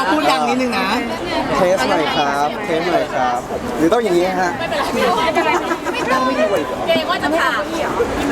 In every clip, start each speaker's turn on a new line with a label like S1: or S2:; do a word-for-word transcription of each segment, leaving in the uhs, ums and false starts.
S1: ต้องพูดดังนิดนึงนะ
S2: เทสหน่อยครับเทสหน่อยครับหรือต้องอย่างนี้ฮะ
S3: ไม่เป็นไรไม่เป็นไรไม่เป็นไรเกรงว่าจะถาม
S4: พี่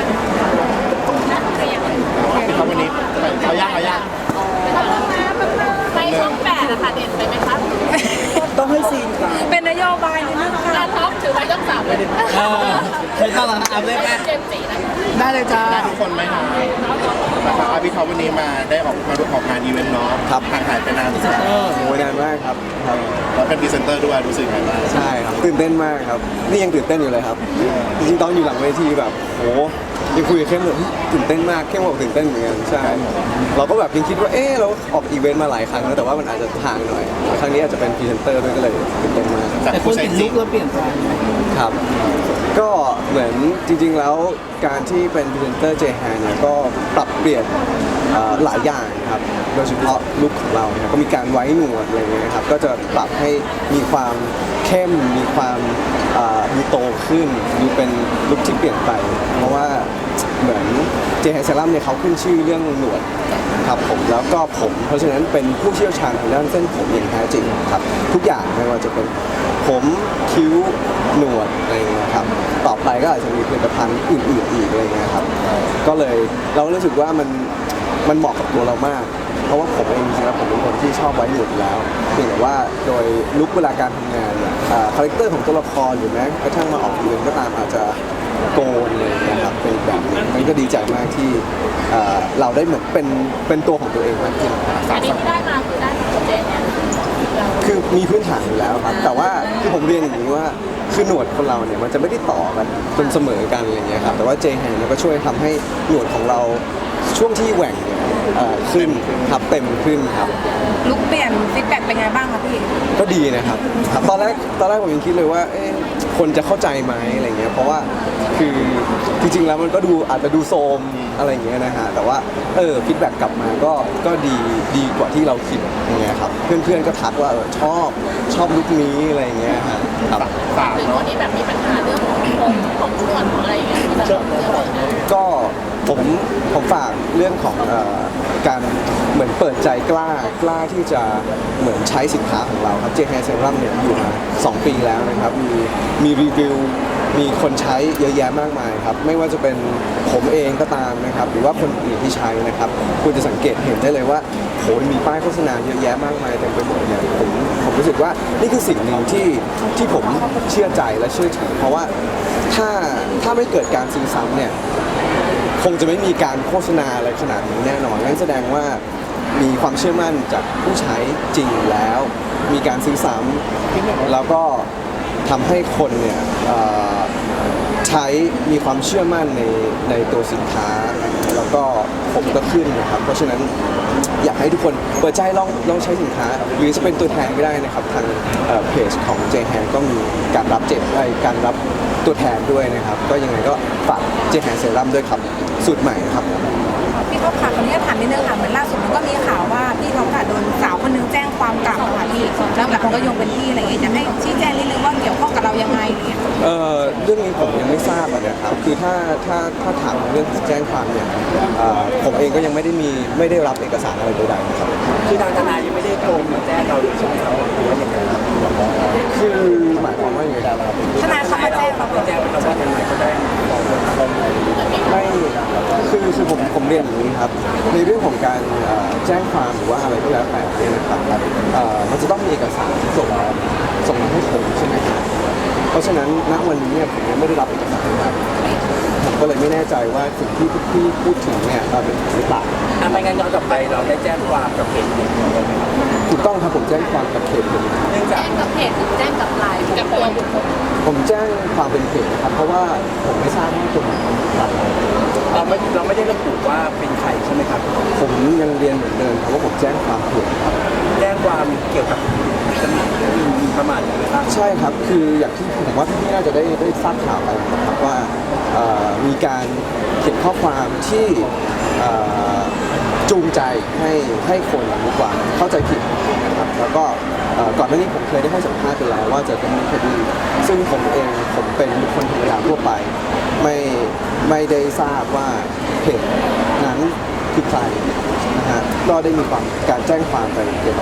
S4: เขาวันนี้เขาย่างเขาย่าง
S3: ไปช่องแปดอะค่ะเด่นไปไหมคะ
S2: ต้องให้ซีนครับ
S5: เป็นนโยบายนิดนึงค่ะ
S3: การท็อปถือไปช่องสามเลย
S1: เออไม่ต้องหรอกอัพเลยแม่
S3: เจมส์จีนะ
S1: ได้เลยจ้า
S4: ได้ทุกคนไหมครับนะครับพี่เขาวันนี้มาได้ออกมาดูออกงานอีเวนต์เนาะห่างหายไปนาน
S1: เออ
S2: โอ้ยนานมากครับครับ
S4: แล้วเป็นพรีเซนเตอร์ด้วยรู้สึกไงบ้าง
S2: ใช่ครับตื่นเต้นมากครับนี่ยังตื่นเต้นอยู่เลยครับจริงๆตอนอยู่หลังเวทีแบบโหยังคุยกับเข้มเลยตื่นเต้นมากเข้มบอกตื่นเต้นเหมือนกันใช่เราก็แบบยังคิดว่าเออเราออกอีเวนต์มาหลายครั้งแล้วแต่ว่ามันอาจจะห่างหน่อยครั้งนี้อาจจะเป็นพรีเซนเตอร์ด้วยก็เลยตื่นเต้นมาก
S1: แต่คนติดลุกแล้วเปลี่ยนไป
S2: ครับก็เหมือนจริงๆแล้วการที่เป็นพรีเซนเตอร์เจแฮนเนี่ยก็ปรับเปลี่ยนเอ่อหลายอย่างครับโดยเฉพาะลุคของเราเนี่ยก็มีการไว้หนวดอะไรเงี้ยครับก็จะปรับให้มีความเข้มมีความเอ่อดูโตขึ้นดูเป็นลุคที่เปลี่ยนไปเพราะว่าเหมือนเจแฮนเซรั่มเนี่ยเขาขึ้นชื่อเรื่องหนวดครับผมแล้วก็ผมเพราะฉะนั้นเป็นผู้เชี่ยวชาญทางด้านเส้นผมอย่างแท้จริงครับทุกอย่างไม่ว่าจะเป็นผมคิ้วหนวดอะไรเงี้ยครับต่อไปก็อาจจะมีผลิตภัณฑ์อื่นๆอีกอะไรเงี้ยครับก็เลยเราก็รู้สึกว่ามันมันเหมาะกับตัวเรามาก เพราะว่าผมเองจริงๆแล้วผมเป็นคนที่ชอบไว้หนวดอยู่แล้วเพียงแต่ว่าโดยลุคเวลาการทำงานเนี่ยคาแรคเตอร์ของตัวละครหรือแม้กระทั่งมาออกอีเวนต์ก็ตามอาจจะโกนเลยนะครับเป็นแบบนี้มันก็ดีใจมากที่เอ่อเราได้เหมือนเป็นเป็นตัวของตัวเองมากขึ้น
S3: อันนี้ที่ได้มาคือได้ของเจนเนี่ย
S2: คือมีพื้นฐานอยู่แล้วครับแต่ว่าคือผมเรียนอย่างนี้ว่าคือหนวดคนเราเนี่ยมันจะไม่ได้ต่อกันจนเสมอกันอะไรเงี้ยครับแต่ว่าเจแฮนเนี่ยก็ช่วยทำให้หนวดของเราช่วงที่แหว่งเนี่ยเอ่อขึ้นครับเต็มขึ้นครับ
S5: ลุกเปลี่ยนฟีดแบ็กเป็นไงบ้างคะพี่
S2: ก็ดีนะครับครับตอนแรกตอนแรกผมยังคิดเลยว่าเอ๊ะคนจะเข้าใจไหมอะไรเงี้ยเพราะว่าคือจริงๆแล้วมันก็ดูอาจจะดูโซมอะไรเงี้ยนะฮะแต่ว่าเออฟีดแบ็กกลับมาก็ก็ดีดีกว่าที่เราคิดอย่างเงี้ยครับเพื่อนๆก็ทักว่าเออชอบชอบลุคนี้อะไรเงี้ยฮะครับ
S4: ฝาก
S3: หรือ
S4: เนาะ
S3: คนที่แบบมีปัญหาเรื่องของผมของส่วนของอะไรอย่างเงี้ยจะเจอนะ
S2: ก็ผมผมฝากเรื่องของเอ่อการเหมือนเปิดใจกล้ากล้าที่จะเหมือนใช้สินค้าของเราครับเจแฮนเซรั่มเนี่ยอยู่มาสองปีแล้วนะครับมีมีรีวิวมีคนใช้เยอะแยะมากมายครับไม่ว่าจะเป็นผมเองก็ตามนะครับหรือว่าคนอื่นที่ใช้นะครับคุณจะสังเกตเห็นได้เลยว่าโหมีป้ายโฆษณาเยอะแยะมากมายเต็มไปหมดเนี่ยผมผมรู้สึกว่านี่คือสิ่งหนึ่งที่ที่ผมเชื่อใจและเชื่อถือเพราะว่าถ้าถ้าไม่เกิดการซื้อซ้ำเนี่ยคงจะไม่มีการโฆษณาอะไรขนาดนี้แน่นอนนั่นแสดงว่ามีความเชื่อมั่นจากผู้ใช้จริงแล้ว มีการซื้อซ้ำแล้วก็ทำให้คนเนี่ยเอ่อใช้มีความเชื่อมั่นในในตัวสินค้า แล้วก็ผมก็ขึ้นนะครับเพราะฉะนั้นอยากให้ทุกคนเปิดใจลองลองใช้สินค้า หรือจะเป็นตัวแทนก็ได้นะครับทางเอ่อเพจของ เจ แฮน ก็มีการรับเจ็บไอการรับตัวแทนด้วยนะครับก็ยังไงก็ฝาก เจ แฮน เซรั่มด้วยครับสูตรใหม่นะครับ
S5: พี่ท็อปค่ะคนนี้ถามนิดนึงค่ะเหมือนล่าสุดมันก็มีข่าวว่าพี่ท็อปค่ะโดนสาวคนนึงแจ้งความกลับอะค่ะพี่แล้วแบบคนก็โยงเป็นพี่อะไรอย่างเงี้ยจะให้ชี้แจงนิดนึงว่าเกี่ยวข้องกับเรายังไงอะไรอย่างเงี้ย
S2: เอ่อเรื่องนี้ผมยังไม่ทราบอะนะครับคือถ้าถ้าถ้าถามเรื่องแจ้งความเนี่ยเอ่อผมเองก็ยังไม่ได้มีไม่ได้รับเอกสารอะไรใดๆนะครับ
S1: คือทางทนายยังไม่ได้โทรมาแจ้งเราเลยใช่ไหมครับหรือว่าอย่างไรครับ
S2: คือหมายความว่าอย่างไรครับ
S5: ทนายเขามาแจ้งเรา
S1: แจ้งเราว่าทนายเขาได้บอกว่าเขา
S2: ไม่คือคือผมผมเรียนอย่างนี้ครับในเรื่องของการเอ่อแจ้งความหรือว่าอะไรก็แล้วแต่เนี่ยนะครับเอ่อมันจะต้องมีเอกสารส่งมาส่งมาให้ผมใช่ไหมครับเพราะฉะนั้นณวันนี้เนี่ยผมยังไม่ได้รับเอกสารนะครับผมก็เลยไม่แน่ใจว่าสิ่งที่ที่พูดถึงเนี่ยเอ่อเป็นหรือเปล่า
S1: อ่ะไม่งั้นย้อนกลับไปเราได้แจ้งความกับเพจเด็กของเราไหมครับ
S2: ถูกต้องครับผมแจ้งความกับเขตเลย
S1: เนื่องจา
S3: แจ้
S1: ก
S3: งกับเพจหรือแจ้งกับไลน์กับตัวบุคคล
S2: ผมแจ้งความเป็นเพจนะครับเพราะว่าผมไม่ทราบว่าตัวไหนเป็นใคร
S1: เราไม่เราไม่ได้ระบุว่าเป็นใครใช่ไหมครับ
S2: ผมยังเรียนเหมือนเดิมครับว่าผมแจ้งความเพจครับ
S1: แจ้งความเกี่ยวกับตำหนิมีประมาทอย่างไรบ้าง
S2: ใช่ครับคืออย่างที่ผมว่าพี่ๆน่าจะได้ได้ทราบข่าวไปนะครับว่าเอ่อมีการเขียนข้อความที่เอ่อจูงใจให้ให้คนดีกว่าเข้าใจผิดนะครับแล้วก็เอ่อก่อนหน้านี้ผมเคยได้ให้สัมภาษณ์ไปแล้วว่าจะดำเนินคดีซึ่งผมเองผมเป็นบุคคลธรรมดาทั่วไปไม่ไม่ได้ทราบว่าเพจนั้นคือใครนะฮะก็ได้มีความการแจ้งความไปเกี่ยวกับเพ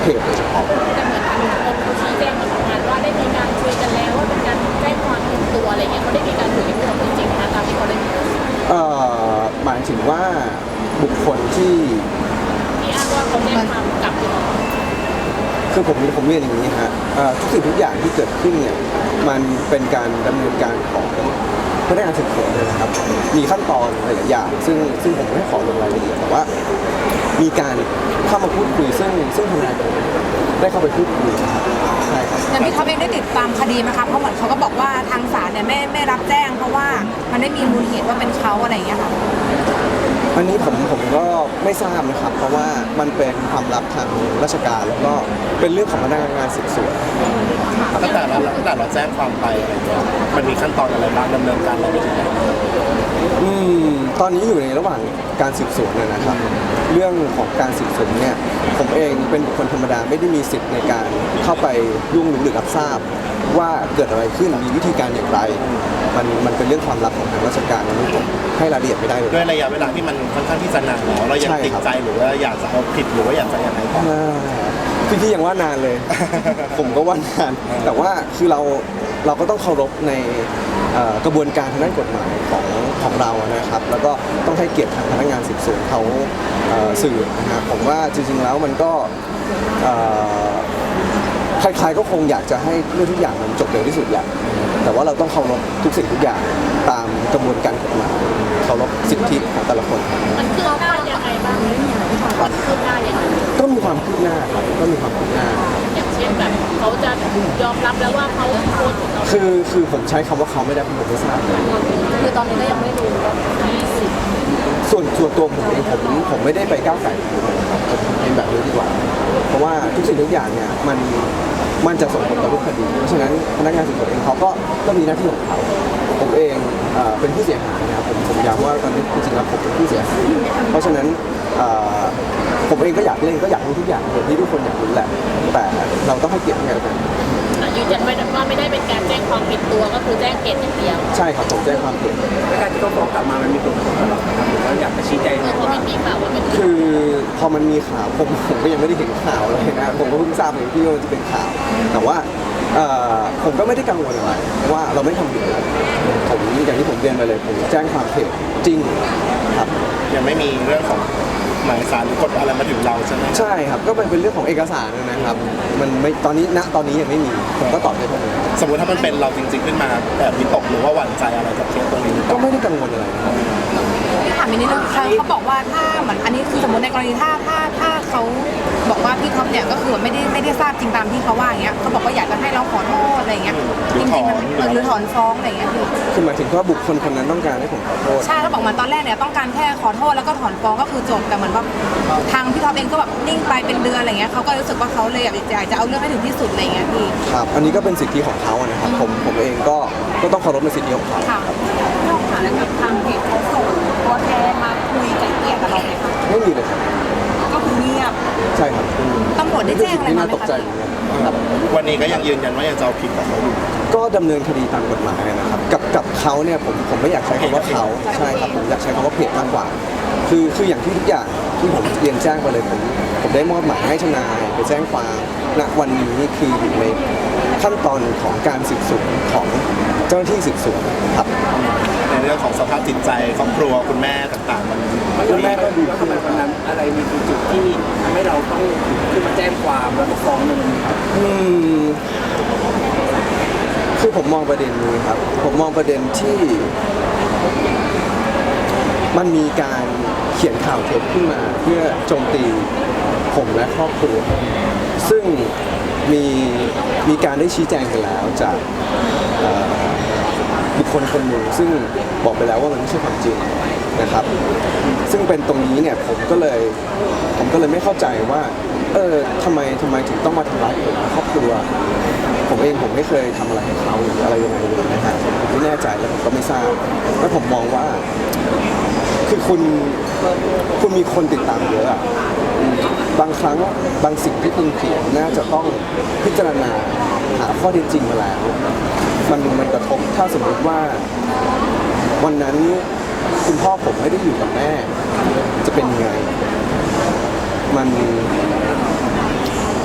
S2: จโดยเฉพาะ
S3: แต่เหมือนทางกรมเขาชี้แจงมาประมาณว่าได้มีการคุยกันแล้วว่าเป็นการแจ้งความผิดตัวอะไรเงี้ยเขาได้มีการคุยกันจริงๆนะตามที่เขาได้มี
S2: เอ่อหมายถึงว่าบุคคลที่
S3: ที่อ้างว่าเขาแจ้งความกลับอยู่
S2: คือผมผมเรียนอย่างนี้ฮะเอ่อทุกสิ่งทุกอย่างที่เกิดขึ้นเนี่ยมันเป็นการดำเนินการของพนักงานสืบสวนเลยนะครับมีขั้นตอนหลายๆอย่างซึ่งซึ่งผมไม่ขอลงรายละเอียดแต่ว่ามีการเข้ามาพูดคุยซึ่งซึ่งทนายผมได้เข้าไปพูดคุยนะครับใช่ครับ
S5: อย่างพี่ท็อปเองได้ติดตามคดีไหมคะเพราะเหมือนเขาก็บอกว่าทางศาลเนี่ยไม่ไม่รับแจ้ง เพราะว่ามันไม่มีมูลเหตุว่าเป็นเขาอะไรอย่างเงี้ยค่ะ
S2: อันนี้ผมผมก็ไม่ทราบนะครับ เพราะว่ามันเป็นความลับทางราชการแล้วก็เป็นเรื่องของพนักงานสืบสวน
S4: ตั้งแต่เราตั้งแต่เราแจ้งความไปอะไรเงี้ยมันมีขั้นตอนอะไรบ้างดำเนินการอะไรไปถึงไหน
S2: อืมตอนนี้อยู่ในระหว่างการสืบสวนนะนะครับ เรื่องของการสืบสวนเนี่ยผมเองเป็นบุคคลธรรมดาไม่ได้มีสิทธิ์ในการเข้าไปยุ่งหรือรับทราบว่าเกิดอะไรขึ้นมีวิธีการอย่างไร มันมันเป็นเรื่องความลับของทางราชการนั้นผมให้รายละเอียดไม่ได้เลย
S4: ด้วยระยะเวลาที่มันค่อนข้างที่จะนานแล้วเรายัง
S2: ใช่
S4: ติด
S2: ครับ
S4: ใจหรือว่าอยากจะเอาผิดหรือว่าอยากจะยังไงต่อ
S2: อ่าพี่พี่ยังว่านานเลย ผมก็ว่านาน แต่ว่าคือเราเราก็ต้องเคารพในเอ่อกระบวนการทางด้านกฎหมายของของเรานะครับ แล้วก็ต้องให้เกียรติทางพนักงานสืบสวนเขาเอ่อสื่อนะครับผมว่าจริงๆแล้วมันก็เอ่อใครๆก็คงอยากจะให้เรื่องทุกอย่างมันจบเร็วที่สุดแหละแต่ว่าเราต้องเคารพทุกสิ่งทุกอย่างตามกระบวนการกฎหมายเคารพสิทธิของแต่ละคน
S3: มันคืบหน้ายังไงบ้างมันคืบหน้ายังไง
S2: ก็มีความคืบหน้าครับก็มีความคืบหน้า
S3: อย่างเช่นแบบเขาจะยอมรับแล้วว่าเขาโพสต์ของเรา
S2: คือคือผมใช้คำว่าเขาไม่ได้ผมไม่ทราบเลย
S3: คือตอนนี้ก็ยังไม่รู้ว่าที่สิบ
S2: ส่วนส่วนตัวผมเองผมผมไม่ได้ไปก้าวไก่นะครับผมเป็นแบบนี้ดีกว่า เพราะว่าทุกสิ่งทุกอย่างเนี่ยมันมันจะส่งผลต่อรูปคดี เพราะฉะนั้นพนักงานสืบสวนเองเขาก็ก็มีหน้าที่ของเขาผมเองเอ่อเป็นผู้เสียหายนะครับผมผมย้ำว่าตอนนี้จริงๆแล้วผมเป็นผู้เสียหายเพราะฉะนั้นเอ่อผมเองก็อยากเล่นก็อยากรู้ทุกอย่างเหมือนที่ทุกคนอยากรู้แหละ แต่เราต้องให้เกียรติกัน
S3: ยืนยันว่าไม่ได้เป็นการแจ้งความผิดตัวก็คือแจ้งเหตุอย่างเดียว
S2: ใช่ครับผมแจ้งความผิด
S1: การที่เขาฟ้องกลับมามันมีผลกระทบกับเราครับหรือว่าอยากจะชี้แจง
S3: คือเพราะมันมีข่าวว่าเป็น
S2: คือพอมันมีข่าวผมผมก็ยังไม่ได้เห็นข่าวเลยนะผมก็เพิ่งทราบเองที่ว่ามันจะเป็นข่าว แต่ว่าเอ่อผมก็ไม่ได้กังวลอะไรเพราะว่าเราไม่ทำผิดอะไรผมอย่างที่ผมเรียนไปเลยผมแจ้งความเท็จจริงครับ
S4: ยังไม่มีเรื่องของหมายสารหรือกฎอะไรมาถึงเราใช่ไหม
S2: ใช่ครับก็มันเป็นเรื่องของเอกสารนะครับ มันไม่ตอนนี้ณตอนนี้ยังไม่มีผมก็ตอบได้เท่านี้
S4: สมมติถ้ามันเป็นเราจริงๆขึ้นมาแบบวิตกหรือว่าหวั่นใจอะไรกับเคสตรงนี้หรือเป
S2: ก็
S4: ล่า
S2: ไม่ได้กังวลอะไรนะครับ
S5: ที่ถามอีกนิดนึงเขาเขาบอกว่าถ้าเหมือนอันนี้คือสมมติในกรณีถ้าถ้าถ้าเขาบอกว่าพี่ท็อปเนี่ยก็คือไม่ได้ไม่ได้ทราบจริงตามที่เขาว่าอย่างเงี้ยเขาบอกว่าอยากจะให้เราขอโทษอะไรอย่างเงี้ยจริงๆมันเออหรือถอนฟ้องอะไรอย่างเงี้ยคือ
S2: คือหมายถึงว่าบุคคลคนนั้นต้องการให้ผมขอโทษ
S5: ใช่เขาบอกมาตอนแรกเนี่ยต้องการแค่ขอโทษแล้วก็ถอนฟ้องก็คือจบแต่เหมือนว่าทางพี่ท็อปเองก็แบบนิ่งไปเป็นเดือนอะไรเงี้ยเขาก็รู้สึกว่าเขาเลยอยากอยากจะเอาเรื่องให้ถึงที่สุดอะไรเงี้ยพี่
S2: ครับ อันนี้ก็เป็นสิทธิของเขาอะนะครับ ผมผมเองก็ก็ต้องเคารพในสิทธิของเขา
S5: ค่ะนอกจากนั้นทางเพจเขาส่งตัวแทนมาคุยไกล่เกลี่ยกับเราไหมคะ
S2: ไม่มีเลยครับ
S5: ก็คือเงียบ
S2: ใช่ครับ
S5: ตำรวจได้แจ้งอะไร
S2: นี่
S5: มา
S2: น่า
S5: ไหม
S2: ตกใจ
S5: คะ
S2: เหมือนกันครับ
S4: วันนี้ก็ยังยืนยันว่ายังจะเอาผิดกับเขาอยู่
S2: ก็ดำเนินคดีตามกฎหมายนะครับ กับกับเขาเนี่ยผมผมไม่อยากใช้คำว่าเขาใช่ครับผมอยากใช้คำว่าเพจมากกว่า คือคืออย่างที่ทุกอย่างที่ผมเรียนแจ้งไปเลยผมผมได้มอบหมายให้ทนายไปแจ้งความณวันนี้คืออยู่ในขั้นตอนของการสืบสวนของเจ้าหน้าที่สืบสวนครับ
S4: ในเรื่องของสภาพจิตใจครอบครัวคุณแม่ต่างๆ มัน
S1: คุณแม่ก็ดูเข้ามาตอนนั้นอะไรมีจุดที่ทำให้เราต้องขึ้นมาแจ้งความแล้วก็ฟ้องมัน
S2: อืมคือผมมองประเด็นนี้ครับ ผมมองประเด็นที่ มันมีการเขียนข่าวเท็จขึ้นมาเพื่อโจมตีผมและครอบครัว ซึ่งมีมีการได้ชี้แจงกันแล้วจากเอ่อบุคคลคนหนึ่งซึ่งบอกไปแล้วว่ามันไม่ใช่ความจริงนะครับ ซึ่งเป็นตรงนี้เนี่ยผมก็เลยผมก็เลยไม่เข้าใจว่า เออทำไมทำไมถึงต้องมาทำร้ายผมและครอบครัว ผมเองผมไม่เคยทำอะไรให้เขาหรืออะไรยังไงเลยนะฮะผมไม่แน่ใจแล้วผมก็ไม่ทราบแล้วผมมองว่า คือคุณคุณมีคนติดตามเยอะอะอืมบางครั้งบางสิ่งที่คุณเขียนน่าจะต้องพิจารณาหาข้อเท็จจริงมาแล้ว มันมันกระทบถ้าสมมติว่า วันนั้นคุณพ่อผมไม่ได้อยู่กับแม่ จะเป็นยังไง มัน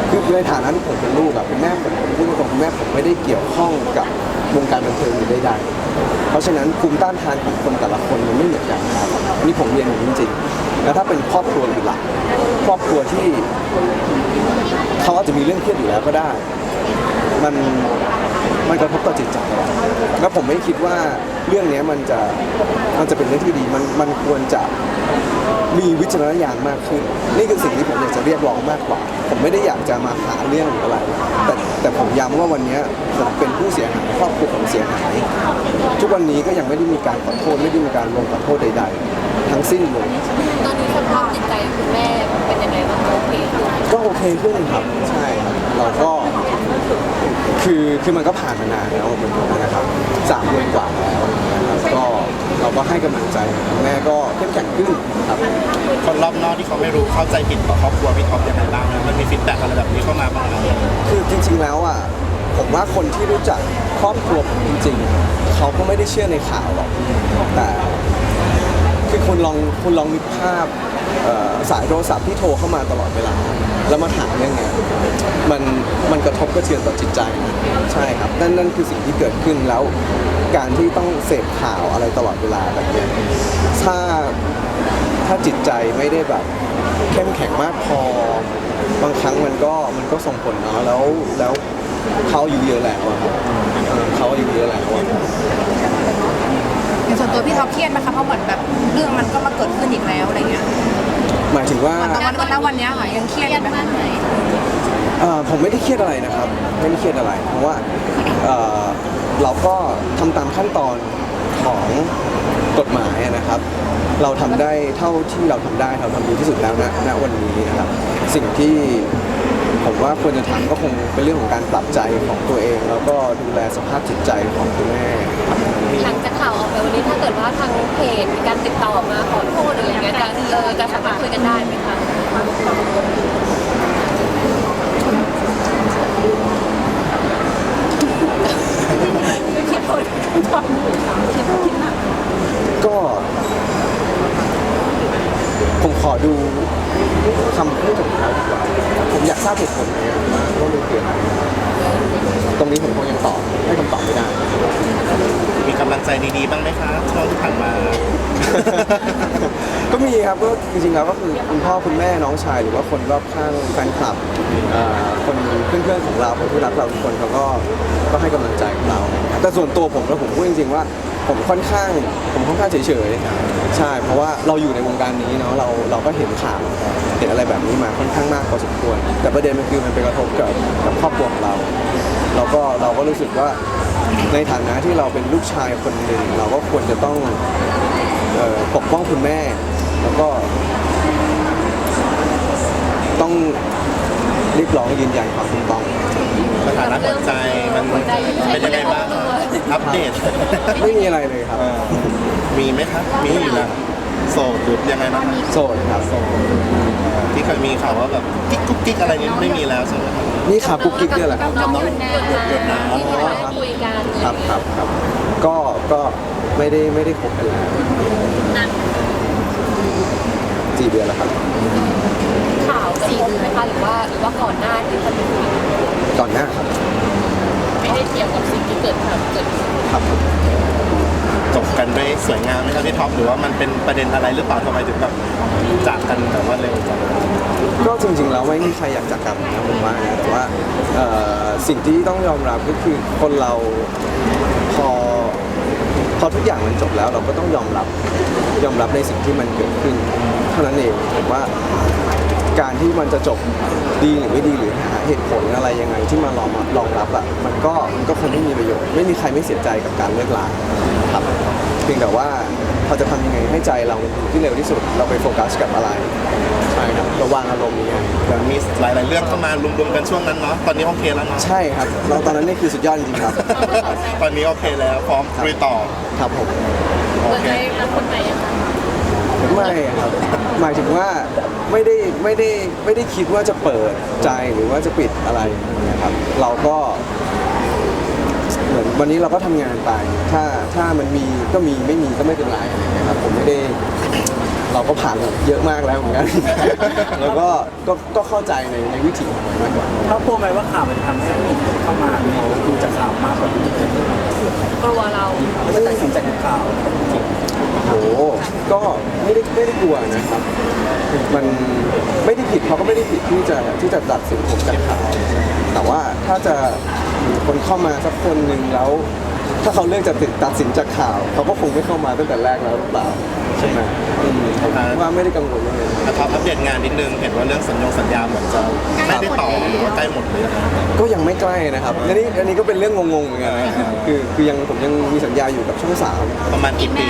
S2: คือในฐานะที่ผมเป็นลูกอะเป็นแม่ผมผมพูดตรงๆคุณแม่ผมไม่ได้เกี่ยวข้องกับวงการบันเทิงหรือใดๆเพราะฉะนั้นภูมิต้านทานของคนแต่ละคนมันไม่เหมือนกันครับนี่ผมเรียนอย่างนี้จริงๆแล้วถ้าเป็นครอบครัวเป็นหลักครอบครัวที่เขาอาจจะมีเรื่องเครียดอยู่แล้วก็ได้ มันมันกระทบต่อจิตใจแล้วผมไม่คิดว่าเรื่องนี้มันจะมันจะเป็นเรื่องที่ดีมันมันควรจะมีวิจารณญาณมากขึ้นนี่คือสิ่งที่ผมอยากจะเรียกร้องมากกว่าผมไม่ได้อยากจะมาหาเรื่องหรืออะไรแต่แต่ผมย้ำว่าวันนี้ผมเป็นผู้เสียหายครอบครัวผมเสียหายทุกวันนี้ก็ยังไม่ได้มีการขอโทษไม่ได้มีการลงขอโทษใดๆทั้งสิ้นเลย
S3: ตอนนี้สภาพจิตใจคุณแม่เป็นยังไงบ้างโอเคขึ้น
S2: ก็โอเคขึ้นครับใช่ครับเราก็คือคือมันก็ผ่านมานานแล้วเหมือนกันนะครับสามเดือนกว่าแล้วนะครับก็เราก็ให้กำลังใจคุณแม่ก็เข้มแข็งขึ้นครับ
S4: คนรอบนอกที่เขาไม่รู้เข้าใจผิดต่อครอบครัวพี่ท็อปยังไงบ้างนะมันมีฟีดแบ็กอะไรแบบนี้เข้ามาบ้างไหม
S2: คือจริงๆแล้วอ่ะผมว่าคนที่รู้จักครอบครัวผมจริงๆเขาก็ไม่ได้เชื่อในข่าวหรอกแต่คือคุณลองคุณลองนึกภาพเอ่อสายโทรศัพท์ที่โทรเข้ามาตลอดเวลาแล้วมาถามเรื่องเนี้ยมันมันกระทบกระเทือนต่อจิตใจใช่ครับนั่นนั่นคือสิ่งที่เกิดขึ้นแล้วการที่ต้องเสพข่าวอะไรตลอดเวลาแบบเนี้ยถ้าถ้าจิตใจไม่ได้แบบเข้มแข็งมากพอบางครั้งมันก็มันก็ส่งผลเนาะแล้วแล้วเขาอายู่เยอะแล้วอะครับเออเขาอายู่เยอะแล้วอะ
S5: ในส่วนตัวพี่ท็อปเครียดไหมคะเพราะเหมือนแบบเรื่องมันก็มาเกิดขึ้นอีกแล้วอะไรเงี้ย
S2: หมายถึงว่า
S5: วันวันวันวันเนี้ยค่ะยังเครียดอยู่ไหม
S3: มากไหม
S2: เอ่อผมไม่ได้เครียดอะไรนะครับ ไม่ได้เครียดอะไร เพราะว่าเอ่อเราก็ทำตามขั้นตอนของกฎหมายอะนะครับ เราทำได้เท่าที่เราทำได้เราทำดีที่สุดแล้วนะณวันนี้นะครับ สิ่งที่ผมว่าควรจะทำก็คงเป็นเรื่องของการปรับใจของตัวเอง แล้วก็ดูแลสภาพจิตใจของคุณแม่ครับ
S3: หลังจากข่าวออกไปวันนี้ถ้าเกิดว่าทางเพจมีการติดต่อมาขอโทษหรืออะไรเงี้ยจะเออจะสามารถคุยกันได้ไหมคะ
S2: ก็ผมขอดูคำพูดของเขาดีกว่าผมอยากทราบเหตุผลไหมว่าว่ามันเกิดอะไรตรงนี้ผมคงยังตอบให้คำตอบไม่ได้
S4: มีกำลังใจดีๆบ้างไหมคะช่วงที่ผ่านมา
S2: ก็มีครับก็จริงๆแล้วก็คือคุณพ่อคุณแม่น้องชายหรือว่าคนรอบข้างแฟนคลับเอ่อคนเพื่อนๆของเราคนที่รักเราทุกคนเขาก็ก็ให้กำลังใจกับเราแต่ส่วนตัวผมแล้วผมพูดจริงๆว่าผมค่อนข้างผมค่อนข้างเฉยๆใช่เพราะว่าเราอยู่ในวงการนี้เนาะเราเราก็เห็นข่าวเห็นอะไรแบบนี้มาค่อนข้างมากพอสมควรแต่ประเด็นมันคือมันไปกระทบกับกับครอบครัวของเรา เราก็เราก็รู้สึกว่าในฐานะที่เราเป็นลูกชายคนหนึ่งเราก็ควรจะต้องเอ่อปกป้องคุณแม่ แล้วก็ต้องเรียกร้องยืนยันความถูกต้อง
S4: สถานะหัวใจมันเป็นยังไงบ้างอัปเดต
S2: ไม่มีอะไรเลยครับ
S4: เออมีไหมครับมีอยู่แล้วโสดหรือยังไงบ้างครับ
S2: โสดครับ
S4: โสดที่เคยมีข่าวว่าแบบกิ๊กกุ๊กกิ๊กอะไรนี้ไม่มีแล้วใช่ไหมครับ
S2: นี่ขากุ๊กกิ๊กเนี่ยแหละครับ
S3: น้องคุณแม่ที่เราได้คุยกัน
S2: ครับครับครับก็ก็ไม่ได้ไม่ได้คบกันแล้ว
S3: นั่น
S2: สี่เดือนแล้วครับ
S3: ข่าวสี่ดูไหมคะหรือว่าหรือว่าก่อนหน้าที่จะมี
S2: ก่อนหน้าครับ
S3: ไม่ได้เกี่ยวกับสิ่งที่เกิดข่าวเกิดขึ้น
S2: ครับ
S4: จบกันด้วยสวยงามไหมครับพี่ท็อปหรือว่ามันเป็นประเด็นอะไรหรือเปล่าทำไมถึงแบบจากกันแต่ว่าเร็วจัง
S2: ก็จริงๆแล้วไม่มีใครอยากจากกันนะผมว่านะแต่ว่าเอ่อสิ่งที่ต้องยอมรับก็คือคนเราพอพอทุกอย่างมันจบแล้วเราก็ต้องยอมรับยอมรับในสิ่งที่มันเกิดขึ้นเท่านั้นเองผมว่าการที่มันจะจบดีหรือไม่ดีหรือหาเหตุผลอะไรยังไงที่มารองรองรับอ่ะมันก็มันก็คงไม่มีประโยชน์ไม่มีใครไม่เสียใจกับการเลิกลาครับเพียงแต่ว่าเราจะทำยังไงให้ใจเราอยู่ที่เร็วที่สุดเราไปโฟกัสกับอะไรใช่ครับระวางอารมณ์นี้
S4: มันมีหลาย ๆ เรื่องเข้ามารวมๆกันช่วงนั้นเนาะตอนนี้โอเคแล้วเนาะ
S2: ใช่ครับเราตอนนั้นนี่คือสุดยอดจริงๆครับ
S4: ตอนนี้โอเคแล้วพร้อมลุยต่อ
S2: ครับผม
S4: โอ
S3: เปิด
S4: เค
S3: ใจรับคนใหม่ยังคะ
S2: ไม่ครับหมายถึงว่าไม่ได้ไม่ได้ไม่ได้คิดว่าจะเปิดใจหรือว่าจะปิดอะไรนะครับเราก็เหมือนวันนี้เราก็ทำงานไปถ้าถ้ามันมีก็มีไม่มีก็ไม่เป็นไรอะไรเงี้ยครับผมไม่ได้เราก็ผ่านมาเยอะมากแล้วเหมือนกัน แล้วก็ก็ก็เข้าใจในในวิถีของมันมากกว่า
S1: เขาพูดไหมว่าข่าวมันทำให้คนเข้ามาเขาดูจากข่าวมากกว่าที่
S3: กลัวเรา
S1: เขาจะตัดสินจากข่าว
S2: โอ้โหก็ไม่ได้ไม่ได้กลัวนะครับ มันไม่ได้ผิดเขาก็ไม่ได้ผิดที่จะที่จะตัดสินผมจากข่าวแต่ว่าถ้าจะมีคนเข้ามาสักคนหนึ่งแล้ว ถ้าเขาเลือกจะติดตัดสินจากข่าว เขาก็คงไม่เข้ามาตั้งแต่แรกแล้วหรือเปล่าใช่ไหมอืมผมว่าไม่ได้กังวลเลย
S4: นะครับอัปเดตงานนิดนึงเห็นว่าเรื่องสัญญงสัญญาเหมือนจะไม่ได้ต่อหรือว่าใกล้หมดเลย
S2: ก็ยังไม่ใกล้นะครับอันนี้อันนี้ก็เป็นเรื่องงงๆเหมือนกันนะคือคือยังผมยังมีสัญญาอยู่กับช่องสาม
S4: ประมาณกี่ปี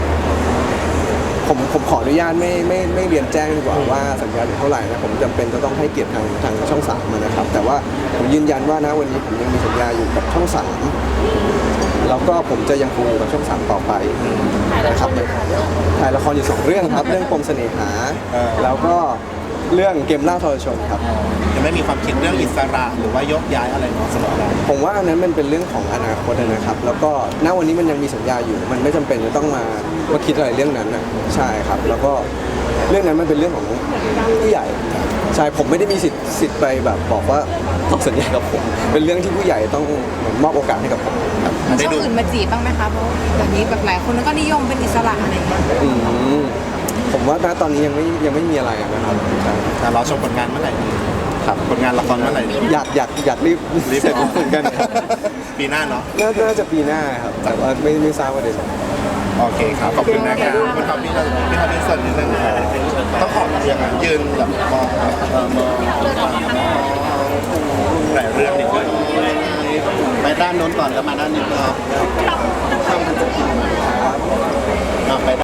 S2: ผมผมขออนุญาตไม่ไม่ไม่เรียนแจ้งดีกว่าว่าสัญญาอยู่เท่าไหร่นะผมจำเป็นจะต้องให้เกียรติทางทางช่องสามนะครับ แต่ว่าผมยืนยันว่านะวันนี้ผมยังมีสัญญาอยู่กับช่องสามแล้วก็ผมจะยังคงอยู่กับช่องสามต่อไป
S3: ถ่ายละ
S2: นะ
S3: ค
S2: ครับ
S3: รอยู่ค่ะเรื่อง
S2: ถ่ายละครอยู่สองเรื่องครับ เรื่องปมเสน่หา แล้วก็เรื่องเกมล่าทรชนครับ
S4: ยังไม่มีความคิดเรื่องอิสระหรือว่ายกย้ายอะไรเนาะสำหรับเรา
S2: ผมว่าอันนั้นมันเป็นเรื่องของอนาคตนะครับ แล้วก็ณวันนี้มันยังมีสัญญาอยู่ มันไม่จำเป็นจะต้องมามาคิดอะไรเรื่องนั้นนะใช่ครับ แล้วก็เรื่องนั้นมันเป็นเรื่องของผู้ใหญ่ ใช่ ผมไม่ได้มีสิทธิ์สิทธิ์ไปแบบบอกว่าต้องสัญญากับผม เป็นเรื่องที่ผู้ใหญ่ต้องเหมือนมอบโอกาสให้กับผมครับ
S4: ได้
S5: ช่อง
S4: ดู
S5: อื่นมาจีบบ้างไหมคะเพราะแบบนี้แบบหลายคนก็นิยมเป็นอิสระอะไรอย่างเงี้ย
S2: อืมผมว่าณตอนนี้ยังไม่ยังไม่มีอะไรนะครับใช่
S4: แต่เราชมผลงานเมื่อไหร่ดี
S2: ครับ
S4: ผลงานละครเมื่อไหร่ดี
S2: อยากอยากอยากรีบ
S4: รีบ
S2: เสร็จเหมือนกันครับ
S4: ปีหน้าเนาะ
S2: น่าน่าจะปีหน้าครับ แต่ว่าไม่ไม่ทราบว่าเดือนไหน
S4: โอเคครับขอบคุณนะครับคุณทอมพี่เราพี่ทอมพี่ส่วนนิดนึงครับต้องขอเรียงอ่ะยืนแบบมองเออมองหลายเรื่องนิดนึงไปด้านโน้นก่อนแล้วมาด้านนี้ครับอ่ะไป